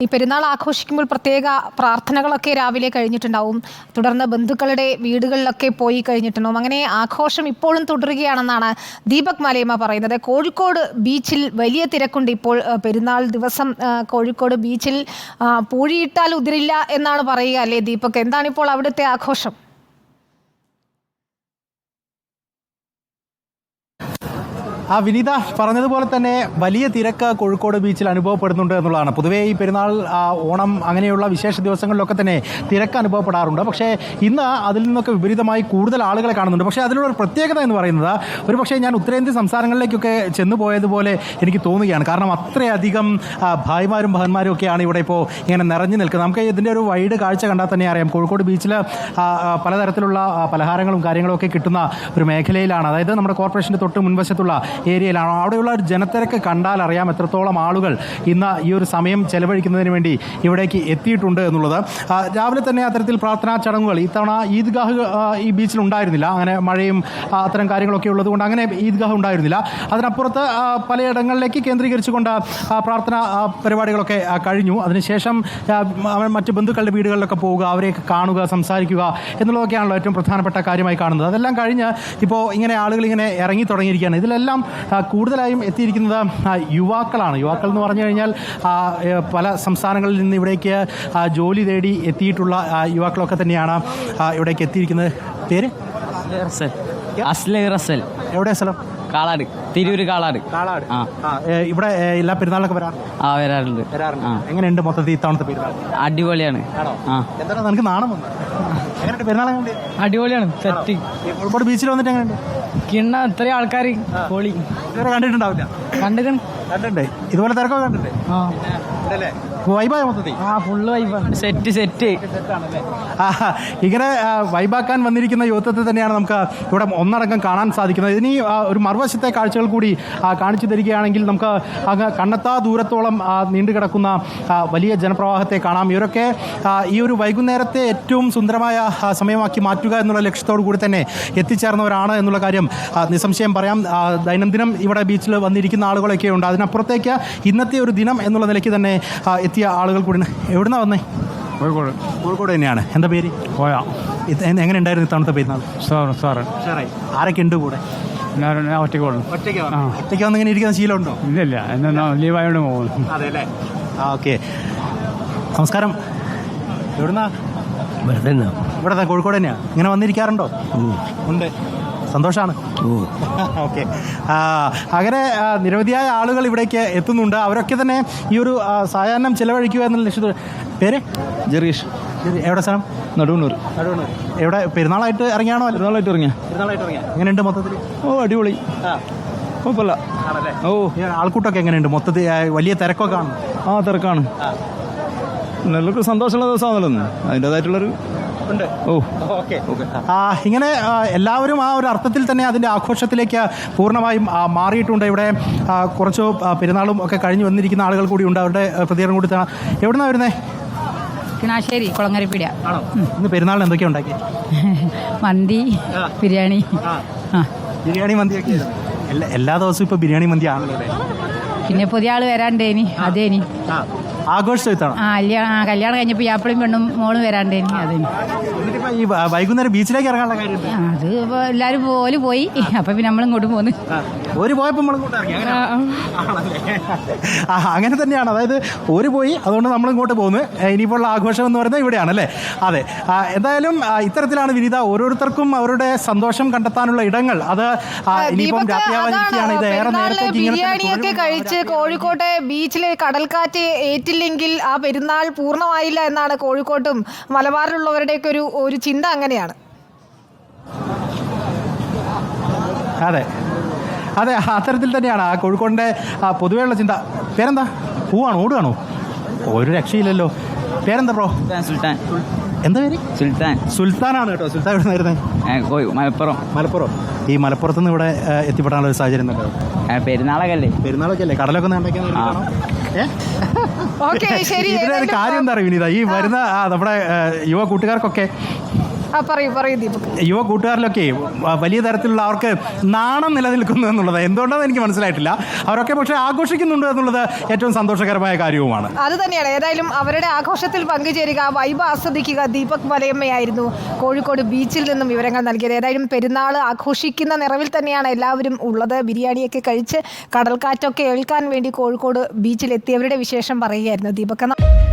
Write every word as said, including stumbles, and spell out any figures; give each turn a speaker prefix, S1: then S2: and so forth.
S1: ഈ പെരുന്നാൾ ആഘോഷിക്കുമ്പോൾ പ്രത്യേക പ്രാർത്ഥനകളൊക്കെ രാവിലെ കഴിഞ്ഞിട്ടുണ്ടാവും. തുടർന്ന് ബന്ധുക്കളുടെ വീടുകളിലൊക്കെ പോയി കഴിഞ്ഞിട്ടുണ്ടാവും. അങ്ങനെ ആഘോഷം ഇപ്പോഴും തുടരുകയാണെന്നാണ് ദീപക് മലയമ്മ പറയുന്നത്. കോഴിക്കോട് ബീച്ചിൽ വലിയ തിരക്കുണ്ട് ഇപ്പോൾ. പെരുന്നാൾ ദിവസം കോഴിക്കോട് ബീച്ചിൽ പൂഴിയിട്ടാൽ ഉതിരില്ല എന്നാണ് പറയുക അല്ലേ ദീപക്? എന്താണിപ്പോൾ അവിടുത്തെ ആഘോഷം?
S2: ആ വിനീത പറഞ്ഞതുപോലെ തന്നെ വലിയ തിരക്ക് കോഴിക്കോട് ബീച്ചിൽ അനുഭവപ്പെടുന്നുണ്ട് എന്നുള്ളതാണ്. പൊതുവേ ഈ പെരുന്നാൾ, ഓണം അങ്ങനെയുള്ള വിശേഷ ദിവസങ്ങളിലൊക്കെ തന്നെ തിരക്ക് അനുഭവപ്പെടാറുണ്ട്. പക്ഷേ ഇന്ന് അതിൽ നിന്നൊക്കെ വിപരീതമായി കൂടുതൽ ആളുകളെ കാണുന്നുണ്ട്. പക്ഷേ അതിലുള്ള ഒരു പ്രത്യേകത എന്ന് പറയുന്നത്, ഒരു പക്ഷേ ഞാൻ ഉത്തരേന്ത്യൻ സംസ്ഥാനങ്ങളിലേക്കൊക്കെ ചെന്നു പോയതുപോലെ എനിക്ക് തോന്നുകയാണ്. കാരണം അത്രയധികം ഭായിമാരും ബഹന്മാരും ഒക്കെയാണ് ഇവിടെ ഇപ്പോൾ ഇങ്ങനെ നിറഞ്ഞു നിൽക്കുന്നത്. നമുക്ക് ഇതിൻ്റെ ഒരു വൈഡ് കാഴ്ച കണ്ടാൽ തന്നെ അറിയാം. കോഴിക്കോട് ബീച്ചിൽ പലതരത്തിലുള്ള പലഹാരങ്ങളും കാര്യങ്ങളും ഒക്കെ കിട്ടുന്ന ഒരു മേഖലയിലാണ്. അതായത് നമ്മുടെ കോർപ്പറേഷൻ്റെ തൊട്ട് മുൻവശത്തുള്ള ഏരിയയിലാണ്. അവിടെയുള്ള ഒരു ജനത്തിരക്ക് കണ്ടാൽ അറിയാം എത്രത്തോളം ആളുകൾ ഇന്ന് ഈ ഒരു സമയം ചെലവഴിക്കുന്നതിന് വേണ്ടി ഇവിടേക്ക് എത്തിയിട്ടുണ്ട് എന്നുള്ളത്. രാവിലെ തന്നെ അത്തരത്തിൽ പ്രാർത്ഥനാ ചടങ്ങുകൾ ഇത്തവണ ഈദ്ഗാഹ് ഈ ബീച്ചിൽ ഉണ്ടായിരുന്നില്ല. അങ്ങനെ മഴയും അത്തരം കാര്യങ്ങളൊക്കെ ഉള്ളതുകൊണ്ട് അങ്ങനെ ഈദ്ഗാഹ് ഉണ്ടായിരുന്നില്ല. അതിനപ്പുറത്ത് പലയിടങ്ങളിലേക്ക് കേന്ദ്രീകരിച്ചുകൊണ്ട് പ്രാർത്ഥന പരിപാടികളൊക്കെ കഴിഞ്ഞു. അതിനുശേഷം മറ്റ് ബന്ധുക്കളുടെ വീടുകളിലൊക്കെ പോവുക, അവരെയൊക്കെ കാണുക, സംസാരിക്കുക എന്നുള്ളതൊക്കെയാണല്ലോ ഏറ്റവും പ്രധാനപ്പെട്ട കാര്യമായി കാണുന്നത്. അതെല്ലാം കഴിഞ്ഞ് ഇപ്പോൾ ഇങ്ങനെ ആളുകൾ ഇങ്ങനെ ഇറങ്ങി തുടങ്ങിയിരിക്കുകയാണ്. ഇതിലെല്ലാം കൂടുതലായും എത്തിയിരിക്കുന്നത് യുവാക്കളാണ്. യുവാക്കൾ എന്ന് പറഞ്ഞു കഴിഞ്ഞാൽ പല സംസ്ഥാനങ്ങളിൽ നിന്ന് ഇവിടേക്ക് ജോലി തേടി എത്തിയിട്ടുള്ള യുവാക്കളൊക്കെ തന്നെയാണ് ഇവിടേക്ക് എത്തിയിരിക്കുന്നത്. പേര്
S3: അസ്ലം റസൽ.
S2: എവിടെയാ സ്ഥലം?
S3: കാളാട്, തിരൂര് കാളാട്.
S2: കാളാട്. ഇവിടെ എല്ലാ പെരുന്നാളൊക്കെ വരാറ്?
S3: ആ വരാറുണ്ട്.
S2: എങ്ങനെയുണ്ട് മൊത്തത്തിൽ ഇത്തവണത്തെ പെരുന്നാൾ?
S3: അടിപൊളിയാണ്.
S2: എന്താണ് നിനക്ക് നാണം വന്നത്? എങ്ങനെയുണ്ട് പെരുന്നാൾ?
S3: അടിപൊളിയാണ്. സെറ്റ്.
S2: കോഴിക്കോട് ബീച്ചിൽ വന്നിട്ട് എങ്ങനെയുണ്ട്?
S3: കിണ്ണ ഇത്രയും ആൾക്കാർ പൊളി.
S2: ഇതുവരെ കണ്ടിട്ടുണ്ടാവില്ല?
S3: കണ്ടിട്ടുണ്ട്.
S2: കണ്ടിട്ടുണ്ട്. ഇതുപോലെ തിരക്കൊക്കെ കണ്ടിട്ടുണ്ട്. വൈബായ മൊത്തത്തിൽ?
S3: ആ ഫുള്ള് വൈബാണ്. Set set.
S2: ഇങ്ങനെ വൈബാക്കാൻ വന്നിരിക്കുന്ന യുവത്വത്തെ തന്നെയാണ് നമുക്ക് ഇവിടെ ഒന്നടങ്കം കാണാൻ സാധിക്കുന്നത്. ഇനി ഒരു മറുവശത്തെ കാഴ്ചകൾ കൂടി കാണിച്ചു തരികയാണെങ്കിൽ നമുക്ക് അങ്ങ് കണ്ണെത്താ ദൂരത്തോളം നീണ്ടു കിടക്കുന്ന വലിയ ജനപ്രവാഹത്തെ കാണാം. ഇവരൊക്കെ ഈ ഒരു വൈകുന്നേരത്തെ ഏറ്റവും സുന്ദരമായ സമയമാക്കി മാറ്റുക എന്നുള്ള ലക്ഷ്യത്തോടു കൂടി തന്നെ എത്തിച്ചേർന്നവരാണ് എന്നുള്ള കാര്യം നിസ്സംശയം പറയാം. ദൈനംദിനം ഇവിടെ ബീച്ചിൽ വന്നിരിക്കുന്ന ആളുകളൊക്കെ ഉണ്ട്. അതിനപ്പുറത്തേക്ക് ഇന്നത്തെ ഒരു ദിനം എന്നുള്ള നിലയ്ക്ക് തന്നെ എത്തിയ ആളുകൾ കൂടി. എവിടുന്നാ വന്നേ?
S4: കോഴിക്കോട്.
S2: കോഴിക്കോട് തന്നെയാണ്. എന്താ പേര്?
S4: പോയാ.
S2: എങ്ങനെ ഉണ്ടായിരുന്നു ഇത്തവണത്തെ പെരുന്നാൾ?
S4: സാറ് സാറ്
S2: ആരൊക്കെ ഉണ്ട് കൂടെ?
S4: ഒറ്റയ്ക്ക്
S2: ഒറ്റയ്ക്ക് വന്ന് ഇങ്ങനെ ഇരിക്കുന്ന ശീലമുണ്ടോ?
S4: ഇല്ലില്ല, എന്നാ ലീവായോണ്ട് പോകുന്നു.
S2: അതെ അല്ലേ? ആ ഓക്കെ. നമസ്കാരം. എവിടുന്നാ? ഇവിടെ കോഴിക്കോട് തന്നെയാണ്. ഇങ്ങനെ വന്നിരിക്കാറുണ്ടോ? ഉണ്ട്. സന്തോഷമാണ്. ഓക്കെ. അങ്ങനെ നിരവധിയായ ആളുകൾ ഇവിടേക്ക് എത്തുന്നുണ്ട്. അവരൊക്കെ തന്നെ ഈ ഒരു സായാഹ്നം ചിലവഴിക്കുക എന്നുള്ള ലക്ഷ്യത്തോടെ. പേര്?
S4: ജെറീഷ്.
S2: എവിടെ സ്ഥലം?
S4: നടുവണ്ണൂർ.
S2: നടുവണ്ണൂർ. എവിടെ പെരുന്നാളായിട്ട് ഇറങ്ങിയാണോ?
S4: പെരുന്നാളായിട്ട് ഇറങ്ങിയ.
S2: പെരുന്നാളായിട്ട് ഇറങ്ങിയ. എങ്ങനെയുണ്ട് മൊത്തത്തിൽ?
S4: ഓ അടിപൊളി. കുഴപ്പമില്ല. ഓ
S2: ആൾക്കൂട്ടമൊക്കെ എങ്ങനെയുണ്ട് മൊത്തത്തിൽ? വലിയ തിരക്കൊക്കെ ആണ്?
S4: ആ തിരക്കാണ്. എല്ലാവർക്കും സന്തോഷമുള്ള ദിവസമാണല്ലോ അതിൻ്റെതായിട്ടുള്ളൊരു ഉണ്ട്. Oh
S2: okay. ഇങ്ങനെ എല്ലാവരും ആ ഒരു അർത്ഥത്തിൽ തന്നെ അതിൻ്റെ ആഘോഷത്തിലേക്ക് പൂർണ്ണമായും മാറിയിട്ടുണ്ട്. ഇവിടെ കുറച്ച് പെരുന്നാളും ഒക്കെ കഴിഞ്ഞ് വന്നിരിക്കുന്ന ആളുകൾ കൂടി ഉണ്ട്. അവരുടെ പ്രതികരണം കൂടി തരാം. എവിടുന്നാണ് വരുന്നത്?
S5: കിണാശ്ശേരി കുളങ്ങരപ്പീടിയ.
S2: ഇന്ന് പെരുന്നാളിന് എന്തൊക്കെയാണ് ഉണ്ടാക്കി?
S5: മന്തി, ബിരിയാണി.
S2: ബിരിയാണി മന്തിയൊക്കെ എല്ലാ എല്ലാ ദിവസവും ഇപ്പോൾ ബിരിയാണി മന്തി ആണല്ലോ.
S5: പിന്നെ പുതിയ ആൾ വരാണ്ടേനി. അതേനി
S2: ആഘോഷിച്ചു.
S5: ആ കല്യാണം കഴിഞ്ഞപ്പോൾ യാപ്പിളും പെണ്ണും മോളും വരാണ്ടേനി. അതേനി.
S2: ഈ വൈകുന്നേരം ബീച്ചിലേക്ക് ഇറങ്ങാനുള്ള കാര്യം
S5: അത് ഇപ്പോൾ എല്ലാവരും ഓല് പോയി. അപ്പം പിന്നെ നമ്മളും ഇങ്ങോട്ട് പോന്ന്.
S2: ഒരു പോയപ്പോൾ നമ്മളിങ്ങോട്ട് ഇറങ്ങി. ആ അങ്ങനെ തന്നെയാണ്. അതായത് ഒരു പോയി, അതുകൊണ്ട് നമ്മൾ ഇങ്ങോട്ട് പോകുന്നു. ഇനിയിപ്പോൾ ആഘോഷം എന്ന് പറയുന്നത് ഇവിടെയാണല്ലേ? അതെ. എന്തായാലും ഇത്തരത്തിലാണ് വിനീത ഓരോരുത്തർക്കും അവരുടെ സന്തോഷം കണ്ടെത്താനുള്ള ഇടങ്ങൾ. അത് ഇനിയിപ്പം രാത്രിയാവാനിരിക്കുകയാണ്. ഇത് ഏറെ നേരത്തേക്ക്
S1: ബിരിയാണിയൊക്കെ കഴിച്ച് കോഴിക്കോട്ടെ ബീച്ചിലെ കടൽക്കാറ്റ് ഏറ്റില്ലെങ്കിൽ ആ പെരുന്നാൾ പൂർണ്ണമായില്ല എന്നാണ് കോഴിക്കോട്ടും മലബാറിലുള്ളവരുടെയൊക്കെ ഒരു ഒരു ചിന്ത. അങ്ങനെയാണ്.
S2: അതെ അതെ അത്തരത്തിൽ തന്നെയാണ് ആ കോഴിക്കോടിൻ്റെ പൊതുവെയുള്ള ചിന്ത. പേരെന്താ? പൂവാണോ? ഓടുകയാണോ? ഒരു രക്ഷയില്ലല്ലോ. പേരെന്താ ബ്രോ?
S3: സുൽത്താൻ.
S2: എന്താ പേര്?
S3: സുൽത്താൻ.
S2: സുൽത്താനാണ് കേട്ടോ. സുൽത്താൻ എവിടെ നിന്നായിരുന്നേ? മലപ്പുറം. മലപ്പുറം. ഈ മലപ്പുറത്തുനിന്ന് ഇവിടെ എത്തിപ്പെടാനുള്ള ഒരു സാഹചര്യം ഉണ്ടോ?
S3: പെരുന്നാളൊക്കെ അല്ലേ?
S2: പെരുന്നാളൊക്കെ അല്ലേ? കടലൊക്കെ ഉണ്ടാക്കിയാൽ ഇതിലൊരു കാര്യം എന്താ അറിയാം വിനീത? ഈ വരുന്ന നമ്മുടെ യുവ കൂട്ടുകാർക്കൊക്കെ
S1: ആ പറയൂ പറയൂ ദീപക്.
S2: യുവ കൂട്ടുകാരിലൊക്കെ വ- വലിയ തരത്തിലുള്ള അവർക്ക് നാണം നിലനിൽക്കുന്നു എന്നുള്ളത് എന്തുകൊണ്ടാണെന്ന് എനിക്ക് മനസ്സിലായിട്ടില്ല. അവരൊക്കെ പക്ഷേ ആഘോഷിക്കുന്നുണ്ട് എന്നുള്ളത് ഏറ്റവും സന്തോഷകരമായ കാര്യവുമാണ്.
S1: അത് തന്നെയാണ്. ഏതായാലും അവരുടെ ആഘോഷത്തിൽ പങ്കുചേരുക, വൈബ് ആസ്വദിക്കുക. ദീപക് മലയമ്മയായിരുന്നു കോഴിക്കോട് ബീച്ചിൽ നിന്നും വിവരങ്ങൾ നൽകിയത്. ഏതായാലും പെരുന്നാൾ ആഘോഷിക്കുന്ന നിറവിൽ തന്നെയാണ് എല്ലാവരും ഉള്ളത്. ബിരിയാണിയൊക്കെ കഴിച്ച് കടൽക്കാറ്റൊക്കെ ഏൽക്കാൻ വേണ്ടി കോഴിക്കോട് ബീച്ചിലെത്തിയവരുടെ വിശേഷം പറയുകയായിരുന്നു ദീപക്.